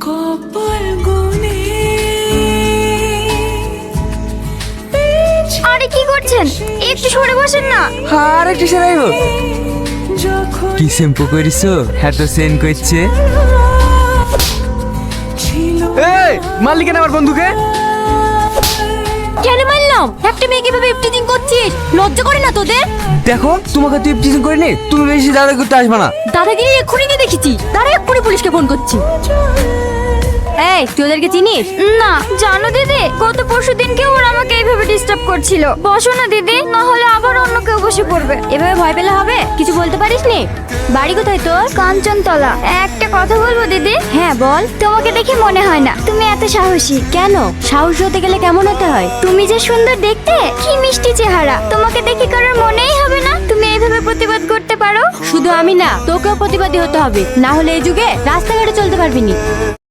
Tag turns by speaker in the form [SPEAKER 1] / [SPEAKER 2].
[SPEAKER 1] কপাল গুনে
[SPEAKER 2] আরে কি করছেন? একটু সরে বসেন না।
[SPEAKER 3] আর একটু সেরাইব
[SPEAKER 1] যখন
[SPEAKER 3] কি শ্যাম্পু করিছো এত সেন করছে
[SPEAKER 1] ছিল
[SPEAKER 3] এই মালিক আমার বন্ধুকে
[SPEAKER 2] কেন মারলাম? একটা মেয়েকে ভাবে ইফটিজিং করছিস, লজ্জা করে না তোদের?
[SPEAKER 3] দেখো তোমাকে তুই টিচিং করিনি, তুমি বেশি দাদা করতে আসবে না।
[SPEAKER 2] দাদাগিরি এক্ষুনি নিয়ে দেখেছি, তারা এক্ষুনি পুলিশকে ফোন করছি। এই তুই ওদেরকে চিনিস? না জানো দিদি, গত পরশু দিনকে ওরা আমাকে এইভাবে ডিস্টার্ব করছিল। বসো না দিদি, না হলে আবার অন্য কেউ বসে পড়বে। এভাবে ভয় পেলে হবে? কিছু বলতে পারিস নি? বাড়ি কোথায় তোর? কাঞ্চনতলা। একটা কথা বলবো দিদি? হ্যাঁ বল। তোমাকে দেখে মনে হয় না তুমি এত সাহসী। কেন? সাহস হতে গেলে কেমন হতে হয়? তুমি যে সুন্দর দেখতে, কি মিষ্টি চেহারা, তোমাকে দেখে কারোর মনেই হবে না তুমি এইভাবে প্রতিবাদ করতে পারো। শুধু আমি না, তোকেও প্রতিবাদী হতে হবে, না হলে এই যুগে রাস্তাঘাটে চলতে পারবি না।